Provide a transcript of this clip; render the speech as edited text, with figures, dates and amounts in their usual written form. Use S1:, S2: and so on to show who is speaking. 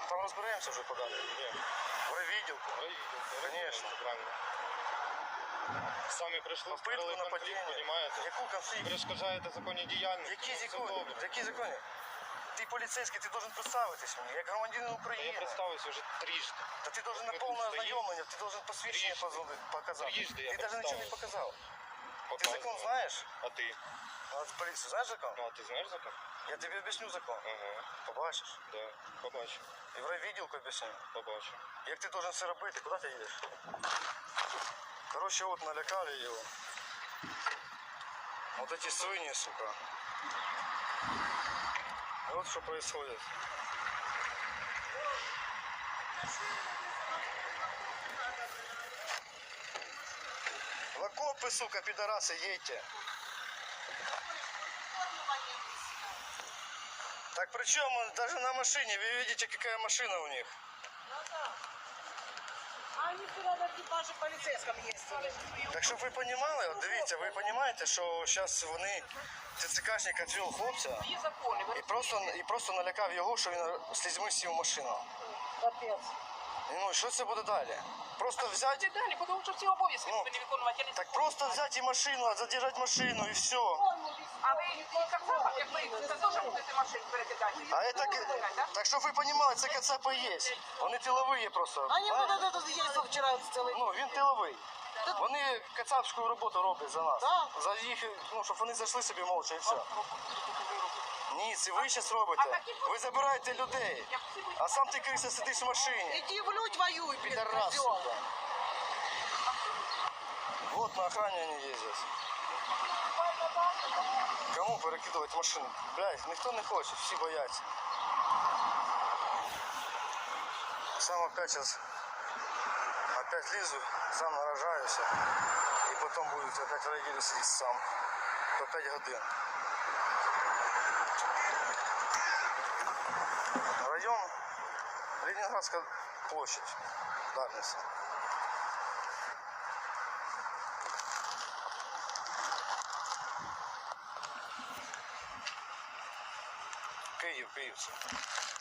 S1: там разбираемся уже подали.
S2: Нет.
S1: В райвідділку. Конечно.
S2: Правильно. Самі прийшли,
S1: Попитку нападіння.
S2: розумієте?
S1: Яку конфлікт?
S2: Перешкоджаєте законні діяльності.
S1: Які
S2: Все
S1: закони?
S2: добре.
S1: Які закони? Ти поліцейський, ти должен представитись мені, як громадянин
S2: Та я
S1: України.
S2: представився вже трижди.
S1: Та ти должен на
S2: Ми
S1: повне
S2: тут стоїмо.
S1: ознайомлення, ти должен посвідчення показати.
S2: Трижди я
S1: Ти навіть нічого не
S2: представився.
S1: показав. Ти закон знаєш?
S2: А ти?
S1: А ти поліцію знаєш закон?
S2: Ну, а ти знаєш закон?
S1: Я тобі об'ясню закон.
S2: Ага,
S1: Побачиш.
S2: да. Побачу.
S1: І в райвідділку об'ясню.
S2: Побачу.
S1: Як ти должен все робити, куди ти їдеш? Короче, вот налякали его. Вот эти свиньи, сука. Вот что происходит. В окопы, сука, пидорасы, едьте. Так причем даже на машине, вы видите, какая машина у них.
S3: А они вчера на экипаже полицейском ездили.
S1: Так щоб ви розуміли, от дивіться, ви розумієте, що зараз вони, ТЦКшник відвів хлопця
S3: Є закони.
S1: і просто налякав його, що він слізьми сів в машину.
S3: Капець.
S1: Ну і що це буде далі? Просто взяти,
S3: Це далі, тому що всі обов'язки
S1: Ну,
S3: повинні виконувати.
S1: так просто взяти і машину, задержати машину і все.
S3: А ви і Кацапа, як ви, це теж будете машин перекидати?
S1: А это, так щоб ви розуміли, це кацапи є. Вони тилові просто.
S3: Они
S1: знаєте?
S3: вот этот ездил вчера целый.
S1: Ну, він тиловий. Вони кацапську роботу роблять за нас.
S3: Да?
S1: За їх, ну, щоб вони зайшли собі мовча і все. Ні, це ви зараз робите. Ви забираєте людей. А сам ти криса сидиш в машині.
S3: Иди в людь воюй, блин,
S1: Пидорас,
S3: козёл.
S1: сука. Вот на охране они ездят. Кому перекидувати машину? Блядь, ніхто не хоче, всі бояться. Сам опять сейчас опять лізу, сам наражаюся. І потім будуть опять в районі сидіти сам. По 5 годин. Район Ленинградская площадь. Дарница. Київ, Київ.